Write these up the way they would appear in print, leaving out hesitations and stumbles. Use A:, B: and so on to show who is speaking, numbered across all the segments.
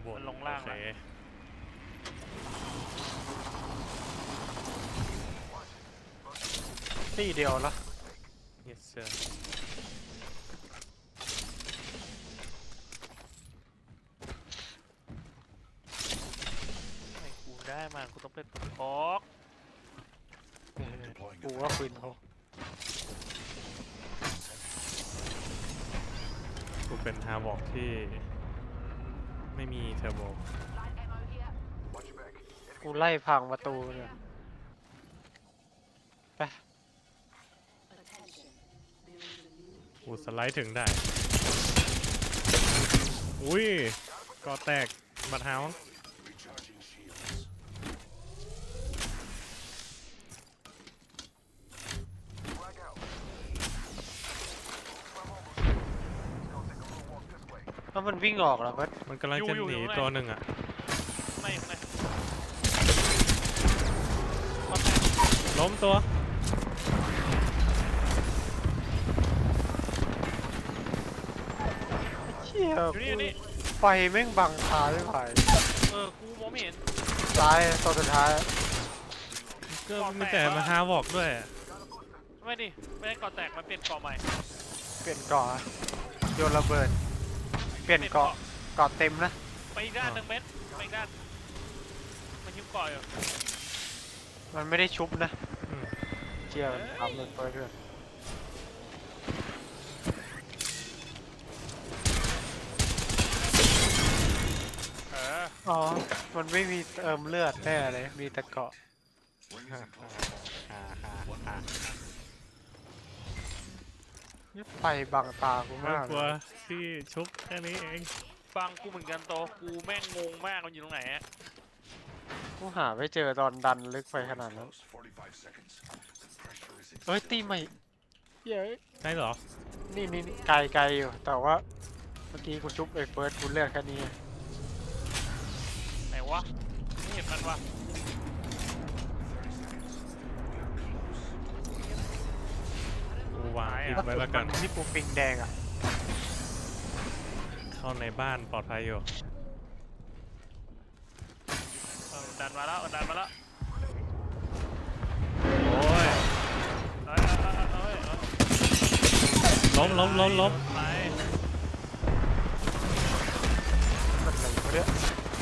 A: บน
B: มันลงล่าง
A: โอเค
C: ตีเดียวละ
A: yes sir
B: ไอ้กูได้มากูต้องเป็นตัวพอก
C: กูว่าปืนเขา
A: กูเป็นฮาร์บอกที่ไม่มีเทอร์โบ
C: กูไล่พังประตูเนี่ยไป
A: กูสไลด์ถึงได้ อุ้ยก่อแตกบัดเฮาส์
C: ถ้ามันวิ่งออกแล้วก็
A: มันกำลังจะหนีตัวหนึ่งอ่ะ
B: ไม่ไม่
A: ล้มตัว
C: เชี่ย
B: อยู่นี่
C: ไฟแม่งบังตาไม่ไหว
B: กูมองไม่เห็น
C: ซ้ายตัวสุดท้าย
A: ก็มีแต่มาฮาร์บอกด้วย
B: ไม่ดิไม่ได้เกาะแตกมันเปลี่ยนเกาะใหม่
C: เปลี่ยนเกาะโยนระเบิดเปลี่ยนเกาะเต็มนะ
B: ไปอีกด้านหนึ่งเม็ดไปอีกด้านมันยิ้มเกาะอยู่
C: มันไม่ได้ชุบนะ
A: อืม
C: เชี่ยมันทำเลยเพื่อน อ๋อ มันไม่มีเติมเลือดแน่เลย มีแต่เกาะนี่ไฟบังตากู
A: ไม่
C: มาก
A: กลัวที่ชุบแค่นี้เอง
B: ฟังกูเหมือนกันโตกูแม่งงงมากมันอยู่ตรงไหนอะ
C: กูหาไม่เจอตอนดันลึกไปขนาดนั้นเฮ้ย ตีใหม่เย้ย
A: ใช่เหรอ
C: นี่ไกลอยู่ แต่ว่าเมื่อกี้กูชุบไอ้เฟิร์สกูเลือกแค่นี้
B: ไหนวะไม่เห็นมันวะ
A: กูวางปิดไว้แล้วกัน
C: ที่ปูปิงแดงอ่ะ
A: เข้าในบ้านปลอดภัยอยู่
B: ดันมาแล้วดันมาแล้ว
A: โอ้ย
B: เอ้ย
A: ล้ม
B: ไป
C: มันอะไรวะเนี่ย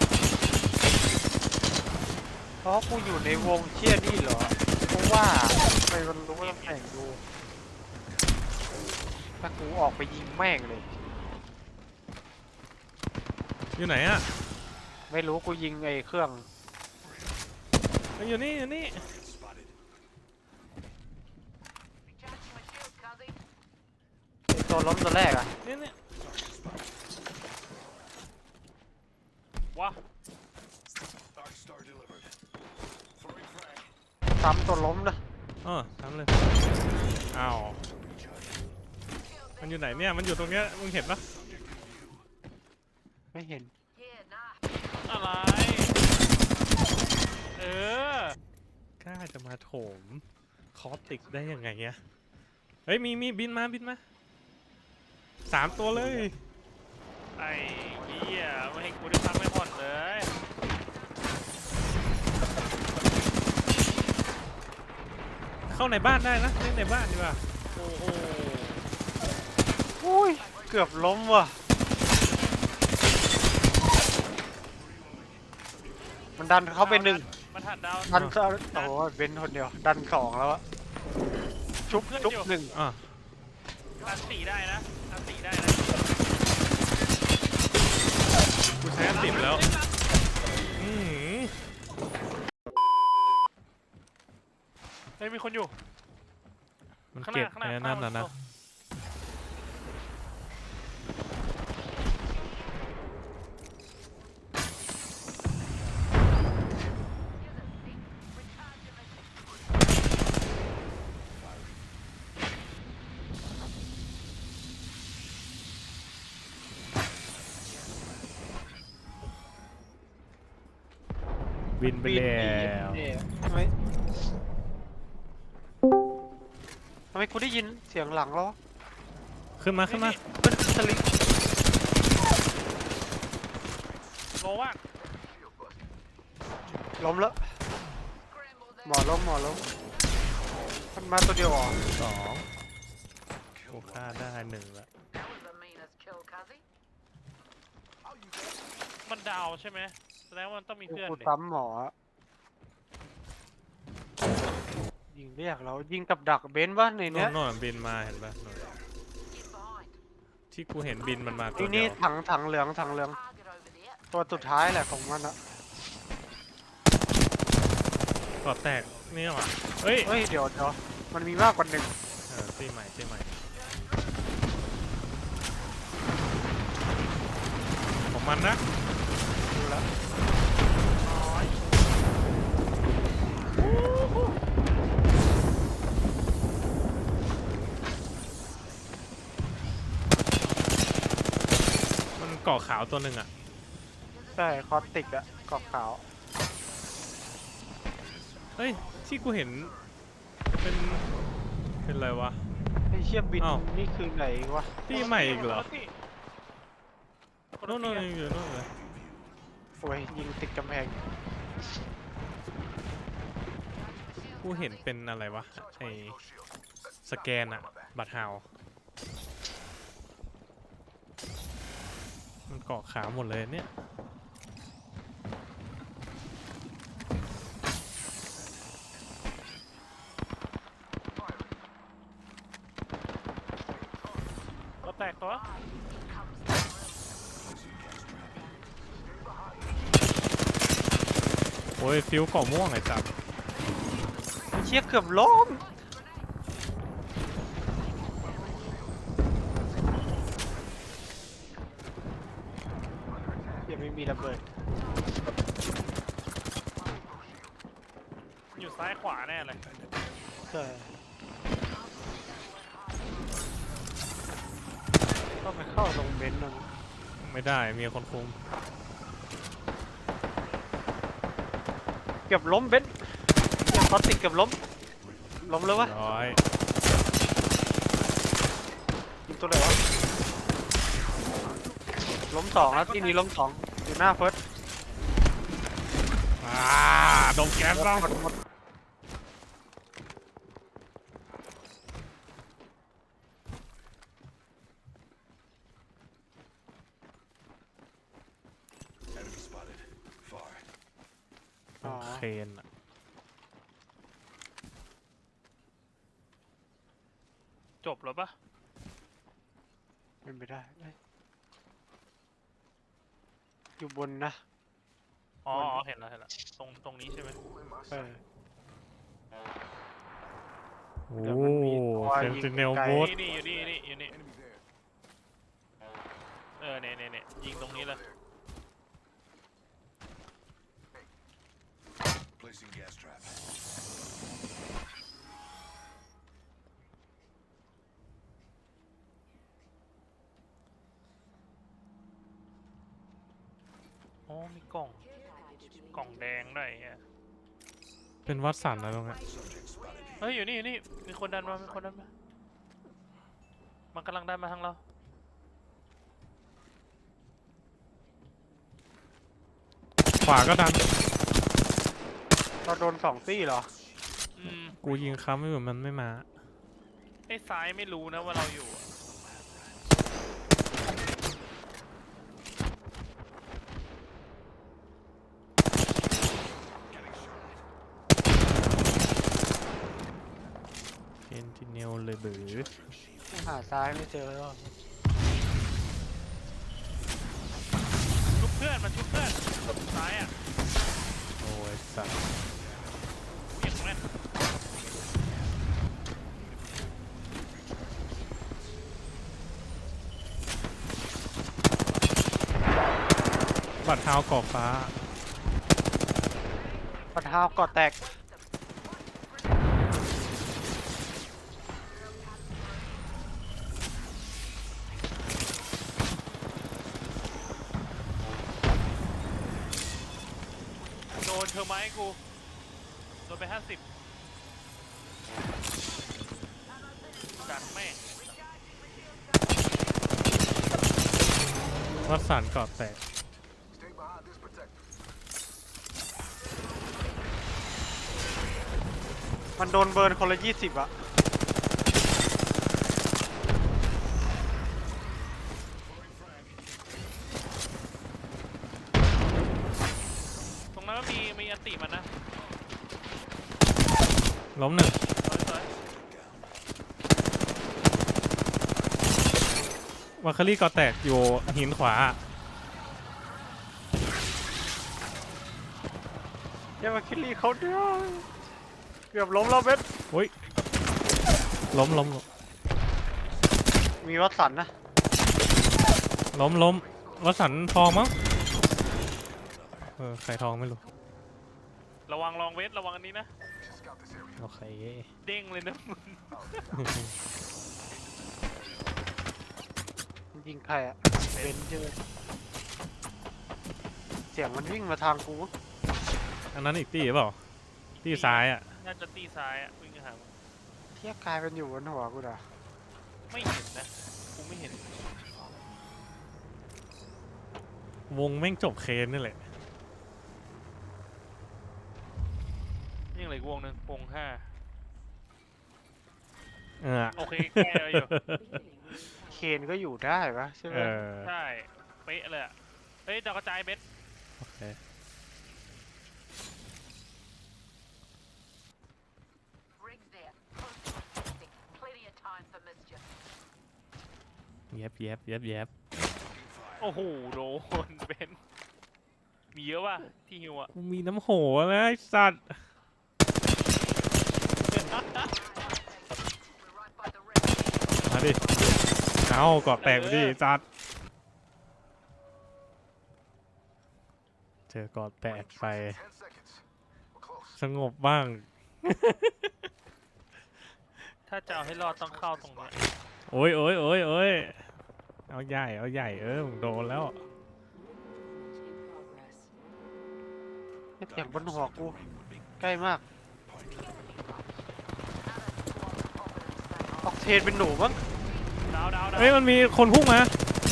C: เพราะกูอยู่ในวงเชี่ยนี่เหรอ เพราะว่าทำไมมันรู้ว่าตำแหน่งกูถ้ากูออกไปยิงแม่งเลย
A: อยู่ไหนอ่ะ
C: ไม่รู้กูยิงไอ้เครื่อง
A: อยู่นี่
C: ไอ้ตัวล้มตัวแรกอ่ะ
A: นี่
B: วะ
C: ซ้ำตัวล้มนะ
A: ทำเลย อ้าว มันอยู่ไหนเนี่ย มันอยู่ตรงเนี้ย มึงเห็นปะ
C: ไม่เห็น
B: อะไรเออก
A: ล้าจะมาโถมคอสติกได้ยังไงเนี่ยเฮ้ย มีบินมา3 ตัวเลย
B: ไอ้เหี้ยไม่ให้กูได้พักไม่ผ่อนเลย
A: เข้าในบ้านได้นะเล่นในบ้านดีกว่า
B: โอ้โห
C: อุ้ย เกือบล้มว่ะ มันดันเข้าไปหนึ่ง
B: มันถัดดาว
C: ดันโอ้โหเบนคนเดียว ดันสองแล้วอะชุบหนึ่ง
A: อ่ะ
B: อันตีได้นะอันตีได้นะ
A: กูใช้อันติดแล้ว อือ
B: เฮ้ยมีคนอยู่
A: มัน
B: ข้างห
A: เก็บ
B: น้าข้างหน้า
A: ไอ้นั่นน่ะนะ บินไปแล้ว
C: ทำไมกูได้ยินเสียงหลังแล้ว
A: ขึ้นมา
C: เป็นสลิง
B: โลว่ะ
C: ล้มแล้วหมอล้มมันมาตัวเดียวเหรอ
A: สองกูฆ่าได้หนึ่งละ
B: มันดาวใช่ไหมแสดงว่ามันต้องมีเพื่อน
C: กู
B: ดิ
C: ซ้ำหมออะยิงเรียกเรายิงกับดักเบนซ์วะใน
A: โน่
C: เนี้ย
A: นโน่นบินมาเห็นปะโน่นที่กูเห็นบินมันมาตัว
C: นี่
A: เดี
C: นี่
A: ยว
C: ถังเหลืองตัวสุดท้ายแหละของมันอะ
A: ก่อแตกนี่หว่าเฮ้ย
C: เฮ้ยเดี๋ยวมันมีมากกว่าหนึ่ง
A: ตีใหม่ของมันนะ
C: ดูแล้ว
A: มันเกาะขาวตัวหนึ่งอ่ะ
C: ใช่คอสติกอะกรอบขาว
A: เฮ้ยที่กูเห็นเป็นอะไรวะ
C: ไอ้เชี่ยบิน
A: อ้าว
C: นี่คือไหนวะ
A: ตีใหม่อีกเหรอ
B: คน
A: โน่
B: ละ
A: น
B: ที่
A: ยังอยู่โน่นเลย
C: โอ้ยยิงติดกำแพง
A: กูเห็นเป็นอะไรวะไอสแกนอะบัตรฮาวมันเกาะขาวหมดเลยเนี่ย
B: ก็แตกตัว
A: โอ้ยฟิวเกาะม่วงไอ้จับ
C: ไอ้เชี่ยเกือบล้มยังไม่มีระเบิด
B: อยู่ซ้ายขวาแน่เลย
C: ใช่ต้องไปเข้าตรงเบนซ์นั่น
A: ไม่ได้มีคนคุม
C: เกือบล้มเบนซ์ยังคอสติกเกือบล้มแล้ววะ
A: ร้อย
C: ยิงตัวไหนวะล้มสองแล้วที่นี้ล้มสองอยู่หน้าเฟิร์ส
A: ดมแก๊สบ้าง
C: หมดอ๋อ
A: เคนอะ
B: จบแล้วปะ
C: เป็นไปได้เอ้ยอยู่บนนะ
B: อ๋อเห็นแล้วตรงนี้ใช่ไหม
C: เออ
A: โอ้
C: เดี๋ยวมันมีตัว
A: เซน
C: ยิง
A: ติเนล
C: ไกล
A: บูท
B: นี่อยู่นี่เนี่ยยิงตรงนี้เลย
D: Placing gas trap.
B: อ๋อมีกล่องแดงด้วยไอ้เหี้ย
A: เป็นวัดสันนะตรงเนี้ย
D: Subject spotted here.
B: เฮ้ยอยู่นี่มีคนดันมามันกำลังดันมาทางเรา
A: ขวาก็ดัน
C: เราโดนสองตี้เหรอ
A: กูยิงค้ำไม่เหมือนมันไม่มา
B: ไอ้ซ้ายไม่รู้นะว่าเราอยู่อะ
A: เซนติเนลเลยบือ
C: หาซ้ายไม่เจอแล้ว
B: ชุบเพื่อนมันชุบเพื่อนซ้ายอ่ะ
A: โอ้ยสัตว์
B: ยิงแม่น
A: บัตรเท้ากรอบฟ้า
C: ปัดเท้าก่อแตก
B: โดนเธอไหมกูโดนไป50จัดแม่ง
A: วัดสันกรอบแตก
D: Stay behind this
C: มันโดนเบิร์นคนละ20อะ
B: ตรงนั้นก็มีอันติมันนะ
A: ล้มหนึ่ง
B: สวย
A: วาคารี่ก่อแตกอยู่หินขวา
C: อย่ามาคิดลีเขาด้วยเกือบล้มแล้วเบส
A: โอ้ยล้ม
C: มีวัดสันนะ
A: ล้มวสันต์ทองมั้งใครทองไม่รู้
B: ระวังลองเวทระวังอันนี้นะ
A: โอเค
B: เด้งเลยนะมึง
C: มันยิงใครอะเบนเจอเสียงมันวิ่งมาทางกู
A: อันนั้นอีกตีเปล่าตีซ้ายอ่ะ
B: น่าจะตีซ้ายอ่ะวิ่งหามึง
C: เทียกลายเป็นอยู่บนหัวกูด่ะ
B: ไม่เห็นนะกูไม่เห็น
A: วงแม่งจบเคนนี่แหละ
B: ยังเหลืออีกวงหนึ่งวง5 โอเคแก้เลยอยู่
C: เคนก็อยู่ได้ปะใช่ไหม
B: ใช่เป๊ะเลยอ่ะเฮ้ยดาวกระจายเบส
A: โอเค
D: Rigs there. Contact. Plenty of time for mischief.
A: แยบ
B: โอ้โหโดนเบนมีเยอะว่ะที่ฮิวอ่ะ
A: กูมีน้ำโหนะไอ้สัตว์
D: We're right by the rig.
A: มาดิเอาเกาะแตกไปดิจัดเจอเกาะแตกไป สงบบ้าง
B: ถ้าจะเอาให้รอดต้องเข้าตรงเนี้ย
A: โอ้ยเอาใหญ่มึงโดนแล้ว
C: เสียงบนหัวกู ใกล้มากออกเทนเป็นหนูมั้ง
B: ดาว
A: เฮ้ยมันมีคนพุ่งมา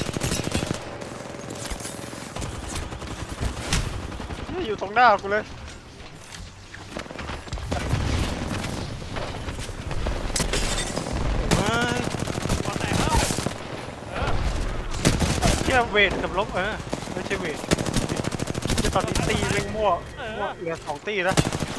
C: เนี่ยอยู่ตรงหน้ากูเลย
B: ก่อนแตกแล้ว
C: เที่ยเวทกับลบไม่ใช่เวทที่ตอนนี้ตีเล่งมั่วเหลือ2 ตีแล้ว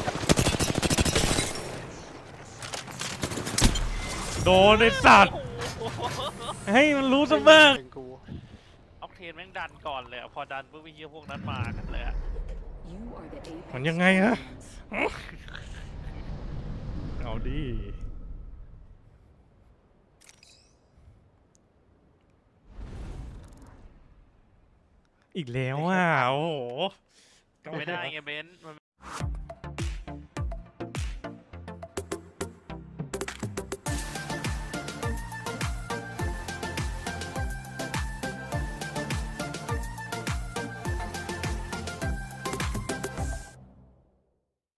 A: โดนไอ้สัตว์
B: โอ้โห
A: ให้มันรู้ซะบ้าง
C: เป็นกู
B: ออกเทนแม่งดันก่อนเลยอะพอดันปุ๊บไอ้เหี้ยพวกนั้นมากันเลยอะ
E: You are the apex
A: มันยังไงฮะ
E: champions.
A: เอาดิ อีกแล้วอ่ะ โอ้โห
B: ไม่ได้ไงเบนซ์มัน